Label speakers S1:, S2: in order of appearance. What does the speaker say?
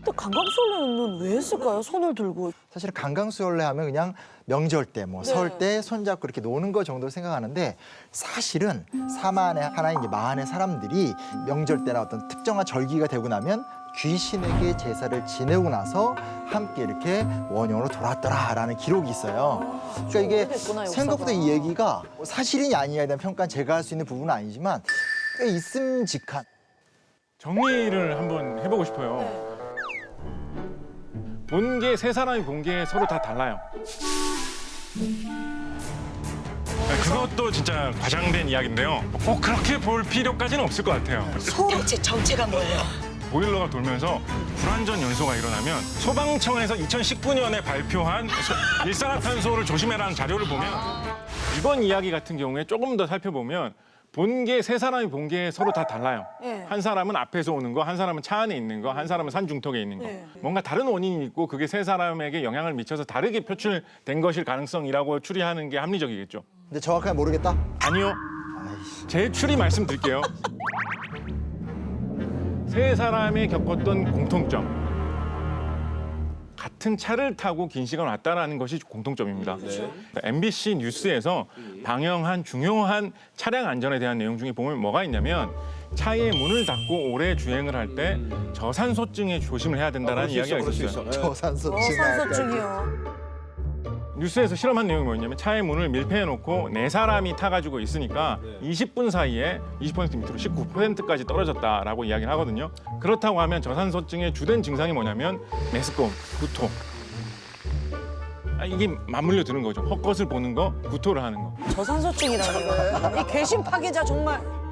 S1: 근데 강강술래는 왜 했을까요? 손을 들고.
S2: 사실 강강수월래 하면 그냥 명절 때, 뭐
S1: 네.
S2: 설 때 손잡고 이렇게 노는 거 정도로 생각하는데 사실은 사만의 하나인 이제 마한의 사람들이 명절 때나 어떤 특정한 절기가 되고 나면 귀신에게 제사를 지내고 나서 함께 이렇게 원형으로 돌았더라라는 기록이 있어요. 그러니까 이게
S1: 오래됐구나, 역사가.
S2: 생각보다 이 얘기가 사실이냐 아니냐에 대한 평가는 제가 할 수 있는 부분은 아니지만 꽤 있음직한.
S3: 정리를 한번 해보고 싶어요. 본 게 세 사람이 본 게 서로 다 달라요. 그것도 진짜 과장된 이야기인데요. 꼭 그렇게 볼 필요까지는 없을 것 같아요.
S4: 대체 정체가 뭐예요?
S3: 보일러가 돌면서 불완전 연소가 일어나면 소방청에서 2019년에 발표한 일산화탄소를 조심해라는 자료를 보면 이번 이야기 같은 경우에 조금 더 살펴보면 본 게 세 사람이 본 게 서로 다 달라요.
S1: 네.
S3: 한 사람은 앞에서 오는 거, 한 사람은 차 안에 있는 거, 한 사람은 산 중턱에 있는 거.
S1: 네.
S3: 뭔가 다른 원인이 있고 그게 세 사람에게 영향을 미쳐서 다르게 표출된 것일 가능성이라고 추리하는 게 합리적이겠죠.
S2: 근데 정확하게 모르겠다.
S3: 아니요. 제 추리 말씀드릴게요. 세 사람이 겪었던 공통점. 같은 차를 타고 긴 시간 왔다라는 것이 공통점입니다. MBC 뉴스에서 방영한 중요한 차량 안전에 대한 내용 중에 보면 뭐가 있냐면 차의 문을 닫고 오래 주행을 할 때 저산소증에 조심을 해야 된다는 이야기가 있었어요.
S2: 저산소증.
S1: 산소증이요.
S3: 뉴스에서 실험한 내용이 뭐였냐면 차의 문을 밀폐해놓고 네 사람이 타가지고 있으니까 20분 사이에 20% 밑으로 19%까지 떨어졌다라고 이야기를 하거든요. 그렇다고 하면 저산소증의 주된 증상이 뭐냐면 메스꺼움, 구토. 이게 맞물려 드는 거죠. 헛것을 보는 거, 구토를 하는 거.
S1: 저산소증이라고요. 이 괘씸 파괴자 정말.